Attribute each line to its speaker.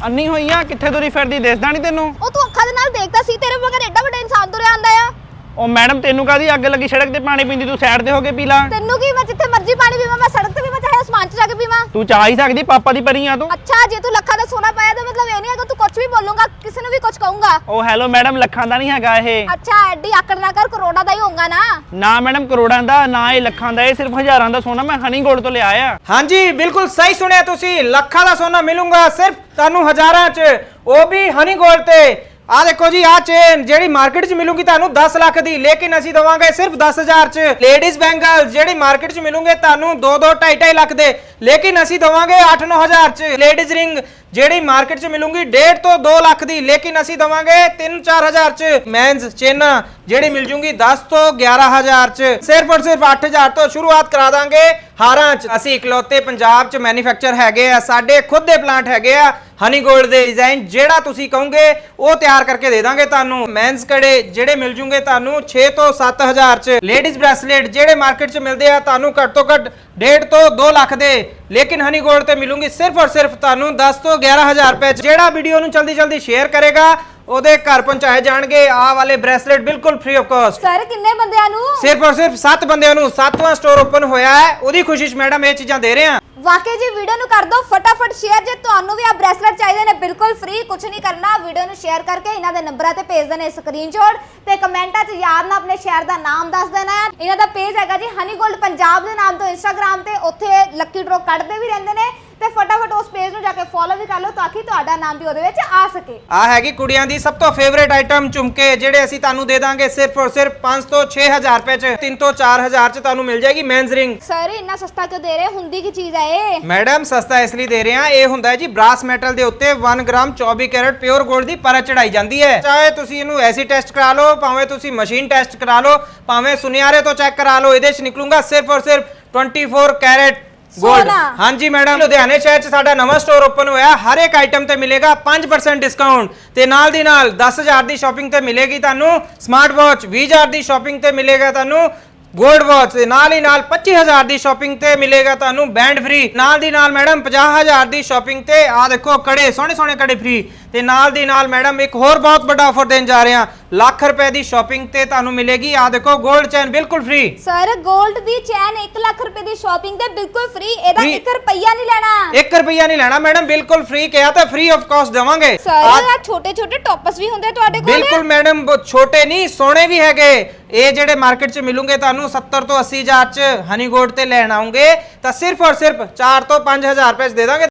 Speaker 1: ਅੰਨੀ ਹੋਈ ਆ ਕਿੱਥੇ ਤੁਰੀ ਫਿਰਦੀ ਦਿਸਦਾ ਨਹੀਂ ਤੈਨੂੰ?
Speaker 2: ਉਹ ਤੂੰ ਅੱਖਾਂ ਦੇ ਨਾਲ ਦੇਖਦਾ ਸੀ ਤੇਰੇ ਮਗਰ ਐਡਾ ਵੱਡਾ ਇਨਸਾਨ ਤੁਰਿਆ ਆਂਦਾ ਆ।
Speaker 1: ਉਹ ਮੈਡਮ ਤੈਨੂੰ ਕਾਹਦੀ ਅੱਗ ਲੱਗੀ ਸੜਕ ਤੇ ਪਾਣੀ ਪੀਂਦੀ ਤੂੰ ਸਾਈਡ ਤੇ ਹੋ ਕੇ ਪੀ ਲਾ।
Speaker 2: ਤੈਨੂੰ ਕੀ ਮੈਂ ਜਿੱਥੇ ਮਰਜ਼ੀ ਪਾਣੀ ਪੀਵਾਂ ਮੈਂ ਸੜਕ ਤੇ ਵੀ ਮੈਂ ਚਾਹੇ ਅਸਮਾਨ 'ਚ ਜਾ ਕੇ ਪੀਵਾਂ।
Speaker 1: ਤੂੰ ਚਾਹ ਹੀ ਸਕਦੀ ਪਾਪਾ ਦੀ ਪਰੀ ਆ ਤੂੰ।
Speaker 2: ਅੱਛਾ ਜੇ ਤੂੰ ਲੱਖਾਂ ਦਾ ਸੋਨਾ ਪਾਇਆ ਤਾਂ ਮਤਲਬ ਇਹ ਨਹੀਂ ਹੈਗਾ ਤੂੰ ਕੁਝ ਵੀ ਬੋਲੂੰਗਾ ਕਿਸੇ ਨੂੰ ਵੀ ਕੁਝ ਕਹੂੰਗਾ।
Speaker 1: ਉਹ ਹੈਲੋ ਮੈਡਮ ਲੱਖਾਂ ਦਾ ਨਹੀਂ ਹੈਗਾ ਇਹ।
Speaker 2: ਅੱਛਾ ਐਡੀ ਆਕੜ ਨਾ ਕਰ ਕਰੋੜਾਂ ਦਾ ਹੀ ਹੋਊਗਾ ਨਾ।
Speaker 1: ਨਾ ਮੈਡਮ ਕਰੋੜਾਂ ਦਾ ਨਾ ਇਹ ਲੱਖਾਂ ਦਾ ਇਹ ਸਿਰਫ ਹਜ਼ਾਰਾਂ ਦਾ ਸੋਨਾ ਮੈਂ ਹਨੀ ਗੋਲਡ ਤੋਂ ਲਿਆ ਆ।
Speaker 3: ਹਾਂਜੀ ਬਿਲਕੁਲ ਸਹੀ ਸੁਣਿਆ ਤੁਸੀਂ ਲੱਖਾਂ ਦਾ ਸੋਨਾ ਮਿਲੂਗਾ ਸਿਰਫ ਤੁਹਾਨੂੰ ਹਜ਼ਾਰਾਂ 'ਚ ਉਹ ਵੀ ਹਨੀ ਗੋਲਡ ਤੇ। ਆ ਦੇਖੋ ਜੀ ਆ ਚੇਨ ਜਿਹੜੀ ਮਾਰਕੀਟ 'ਚ ਮਿਲੂਗੀ ਤੁਹਾਨੂੰ 10 ਲੱਖ ਦੀ ਲੇਕਿਨ ਅਸੀਂ ਦਵਾਂਗੇ ਸਿਰਫ 10,000 'ਚ। ਲੇਡੀਜ਼ ਬੈਂਗਲ ਜਿਹੜੀ ਮਾਰਕੀਟ 'ਚ ਮਿਲੂਗੇ ਤੁਹਾਨੂੰ 2-2 2.5 ਲੱਖ ਦੇ ਲੇਕਿਨ ਅਸੀਂ ਦਵਾਂਗੇ 8-9 ਹਜ਼ਾਰ 'ਚ। ਲੇਡੀਜ਼ ਰਿੰਗ ਜਿਹੜੀ ਮਾਰਕੀਟ 'ਚ ਮਿਲੂਗੀ 1.5 ਤੋਂ 2 ਲੱਖ ਦੀ ਲੇਕਿਨ ਅਸੀਂ ਦਵਾਂਗੇ 3-4 ਹਜ਼ਾਰ 'ਚ। ਮੈਨਸ ਚੇਨਾਂ ਜਿਹੜੀ ਮਿਲ ਜੂਗੀ 10 ਤੋਂ 11 ਹਜ਼ਾਰ 'ਚ। ਸਿਰਫ ਔਰ ਸਿਰਫ 8,000 ਤੋਂ ਸ਼ੁਰੂਆਤ ਕਰਾ ਦਾਂਗੇ ਹਾਰਾਂ 'ਚ। ਅਸੀਂ ਇਕਲੌਤੇ ਪੰਜਾਬ 'ਚ ਮੈਨੂਫੈਕਚਰ ਹੈਗੇ ਆ, ਸਾਡੇ ਖੁਦ ਦੇ ਪਲਾਂਟ ਹੈਗੇ ਆ ਹਨੀ ਗੋਲਡ ਦੇ। ਡਿਜ਼ਾਈਨ ਜਿਹੜਾ ਤੁਸੀਂ ਕਹੋਗੇ ਉਹ ਤਿਆਰ ਕਰਕੇ ਦੇ ਦਾਂਗੇ ਤੁਹਾਨੂੰ। ਮੈਨਸ ਕੜੇ ਜਿਹੜੇ ਮਿਲ ਜੂਗੇ ਤੁਹਾਨੂੰ 6 ਤੋਂ 7 ਹਜ਼ਾਰ 'ਚ। ਲੇਡੀਜ਼ ਬ੍ਰੈਸਲੇਟ ਜਿਹੜੇ ਮਾਰਕੀਟ 'ਚ ਮਿਲਦੇ ਆ ਤੁਹਾਨੂੰ ਘੱਟ ਤੋਂ ਘੱਟ 1.5 ਤੋਂ 2 ਲੱਖ ਦੇ ਲੇਕਿਨ ਹਨੀ ਗੋਲਡ ਤੇ ਮਿਲੂਗੀ ਸਿਰਫ ਔਰ ਸਿਰਫ ਤੁਹਾਨੂੰ 10 ਤੋਂ 11 ਹਜ਼ਾਰ ਰੁਪਏ 'ਚ। ਜਿਹੜਾ ਵੀਡੀਓ ਨੂੰ ਜਲਦੀ ਸ਼ੇਅਰ ਕਰੇਗਾ ਉਹਦੇ ਘਰ ਪਹੁੰਚਾਏ ਜਾਣਗੇ ਆਹ ਵਾਲੇ ਬ੍ਰੈਸਲੇਟ ਬਿਲਕੁਲ ਫ੍ਰੀ ਆਫ ਕਾਸਟ।
Speaker 2: ਸਰ ਕਿੰਨੇ ਬੰਦਿਆਂ ਨੂੰ?
Speaker 3: ਸਿਰਫ ਔਰ ਸਿਰਫ 7 ਬੰਦਿਆਂ ਨੂੰ। 7ਵਾਂ ਸਟੋਰ ਓਪਨ ਹੋਇਆ ਹੈ ਉਹਦੀ ਖੁਸ਼ੀ 'ਚ ਮੈਡਮ ਇਹ ਚੀਜ਼ਾਂ ਦੇ ਰਹੇ ਆ।
Speaker 2: ਵਾਕਈ ਜੀ ਵੀਡੀਓ ਨੂੰ ਕਰ ਦਿਓ ਫਟਾਫਟ ਸ਼ੇਅਰ ਜੇ ਤੁਹਾਨੂੰ ਵੀ ਆ ਬ੍ਰੈਸਲੇਟ ਚਾਹੀਦੇ ਨੇ ਬਿਲਕੁਲ ਫ੍ਰੀ ਕੁਝ ਨਹੀਂ ਕਰਨਾ ਵੀਡੀਓ ਨੂੰ ਸ਼ੇਅਰ ਕਰਕੇ ਇਹਨਾਂ ਦੇ ਨੰਬਰਾਂ ਤੇ ਭੇਜ ਦੇਣੇ ਸਕਰੀਨਸ਼ਾਟ ਤੇ ਕਮੈਂਟਾਂ 'ਚ ਯਾਦ ਨਾਲ ਆਪਣੇ ਸ਼ਹਿਰ ਦਾ ਨਾਮ ਦੱਸ ਦੇਣਾ ਹੈ। ਇਹਨਾਂ ਦਾ ਪੇਜ ਹੈਗਾ ਜੀ ਹਨੀ ਗੋਲਡ ਪੰਜਾਬ ਦੇ ਨਾਮ ਤੋਂ ਇੰਸਟਾਗ੍ਰam ਤੇ ਉੱਥੇ ਲੱਕੀ ਡਰੋ ਕੱਢਦੇ ਵੀ ਰਹਿੰਦੇ ਨੇ ਤੇ ਫਟਾਫਟ ਉਸ ਪੇਜ ਨੂੰ ਜਾ ਕੇ ਫੋਲੋ ਵੀ ਕਰ ਲਓ ਤਾਂ ਕਿ ਤੁਹਾਡਾ ਨਾਮ ਵੀ ਉਹਦੇ ਵਿੱਚ ਆ ਸਕੇ।
Speaker 3: ਆ ਹੈਗੀ ਕੁੜੀਆਂ ਦੀ ਸਭ ਤੋਂ ਫੇਵਰੇਟ ਆਈਟਮ ਝੁਮਕੇ ਜਿਹੜੇ ਅਸੀਂ ਤੁਹਾਨੂੰ ਦੇ ਦਾਂਗੇ ਸਿਰਫ ਔਰ ਸਿਰਫ 5 ਤੋਂ 6 ਹਜ਼ਾਰ ਰੁਪਏ 'ਚ। 3 ਤੋਂ 4 ਹਜ਼ਾਰ 'ਚ ਤੁਹਾਨੂੰ ਮਿਲ ਜਾਏਗੀ ਮੈਨਸ ਰਿੰਗ।
Speaker 2: ਸਰ ਇੰਨਾ ਸਸਤਾ ਕਿਉਂ ਦੇ ਰਹੇ ਹੁੰਦੀ ਕੀ ਚੀਜ਼ ਹੈ ਇਹ?
Speaker 3: ਮੈਡਮ ਸਸਤਾ ਇਸ ਲਈ ਦੇ ਰਹੇ ਆ ਇਹ ਹੁੰਦਾ ਹੈ ਜੀ ਬ੍ਰਾਸ ਮੈਟਲ ਦੇ ਉੱਤੇ 1 ਗ੍ਰਾਮ 24 ਕੈਰਟ ਪਿਓਰ 골ਡ ਦੀ ਪਰਤ ਚੜਾਈ ਜਾਂਦੀ ਹੈ। ਚਾਹੇ ਤੁਸੀਂ ਇਹਨੂੰ ਐਸੀ ਟੈਸਟ ਕਰਾ ਲਓ ਭਾਵੇਂ ਤੁਸੀਂ ਮਸ਼ੀਨ ਟੈਸਟ ਕਰਾ ਲਓ ਭਾਵੇਂ ਸੁਨਿਆਰੇ ਤੋਂ ਚੈੱਕ ਕਰਾ ਲਓ ਇਹਦੇ 'ਚ ਨਿਕਲੂਗਾ ਸਿਰਫ ਔਰ ਸਿਰਫ 24 ਕੈਰਟ ਗੋਲਡ। ਹਾਂਜੀ ਮੈਡਮ ਲੁਧਿਆਣੇ ਸ਼ਹਿਰ 'ਚ ਸਾਡਾ ਨਵਾਂ ਸਟੋਰ ਓਪਨ ਹੋਇਆ ਹਰ ਇੱਕ ਆਈਟਮ ਤੇ ਮਿਲੇਗਾ 5% ਡਿਸਕਾਊਂਟ ਤੇ ਨਾਲ ਦੀ ਨਾਲ 10,000 ਦੀ ਸ਼ਾਪਿੰਗ ਤੇ ਮਿਲੇਗੀ ਤੁਹਾਨੂੰ ਸਮਾਰਟ ਵਾਚ। 20,000 ਦੀ ਸ਼ਾਪਿੰਗ ਤੇ ਮਿਲੇਗਾ ਤੁਹਾਨੂੰ ਗੋਲਡ ਵਾਚ ਤੇ ਨਾਲ ਹੀ ਨਾਲ 25,000 ਦੀ ਸ਼ਾਪਿੰਗ ਤੇ ਮਿਲੇਗਾ ਤੁਹਾਨੂੰ ਬੈਂਡ ਫ੍ਰੀ। ਨਾਲ ਦੀ ਨਾਲ ਮੈਡਮ 50,000 ਦੀ ਸ਼ਾਪਿੰਗ ਤੇ ਆ ਦੇਖੋ ਕੜੇ ਸੋਹਣੇ ਕੜੇ ਫ੍ਰੀ ਤੇ ਨਾਲ ਦੀ ਨਾਲ ਮੈਡਮ ਇੱਕ ਹੋਰ ਬਹੁਤ ਵੱਡਾ ਆਫਰ ਦੇਣ ਜਾ ਰਹੇ ਹਾਂ ਲੱਖ ਰੁਪਏ ਦੀ ਸ਼ਾਪਿੰਗ ਤੇ ਤੁਹਾਨੂੰ ਮਿਲੇਗੀ ਆ ਦੇਖੋ 골ਡ ਚੈਨ ਬਿਲਕੁਲ ਫ੍ਰੀ।
Speaker 2: ਸਰ 골ਡ ਦੀ ਚੈਨ 1 ਲੱਖ ਰੁਪਏ ਦੀ ਸ਼ਾਪਿੰਗ ਤੇ ਬਿਲਕੁਲ ਫ੍ਰੀ ਇਹਦਾ 1 ਰੁਪਿਆ ਨਹੀਂ ਲੈਣਾ।
Speaker 3: 1 ਰੁਪਿਆ ਨਹੀਂ ਲੈਣਾ ਮੈਡਮ ਬਿਲਕੁਲ ਫ੍ਰੀ ਕਿਹਾ ਤਾਂ ਫ੍ਰੀ ਆਫ ਕਾਸਟ ਦੇਵਾਂਗੇ।
Speaker 2: ਸਰ ਆ ਛੋਟੇ ਟੌਪਸ ਵੀ ਹੁੰਦੇ ਤੁਹਾਡੇ ਕੋਲ?
Speaker 3: ਬਿਲਕੁਲ ਮੈਡਮ ਛੋਟੇ ਨਹੀਂ ਸੋਹਣੇ ਵੀ ਹੈਗੇ। ਇਹ ਜਿਹੜੇ ਮਾਰਕੀਟ 'ਚ ਮਿਲੂਗੇ ਤੁਹਾਨੂੰ 70 ਤੋਂ 80 ਹਜ਼ਾਰ 'ਚ ਹਨੀ ਗੋਲਡ ਤੇ ਲੈਣ ਆਉਂਗੇ ਤਾਂ ਸਿਰਫ ਔਰ ਸਿਰਫ 4 ਤੋਂ 5 ਹਜ਼ਾਰ ਰੁਪਏ 'ਚ ਦੇ ਦਾਂਗੇ।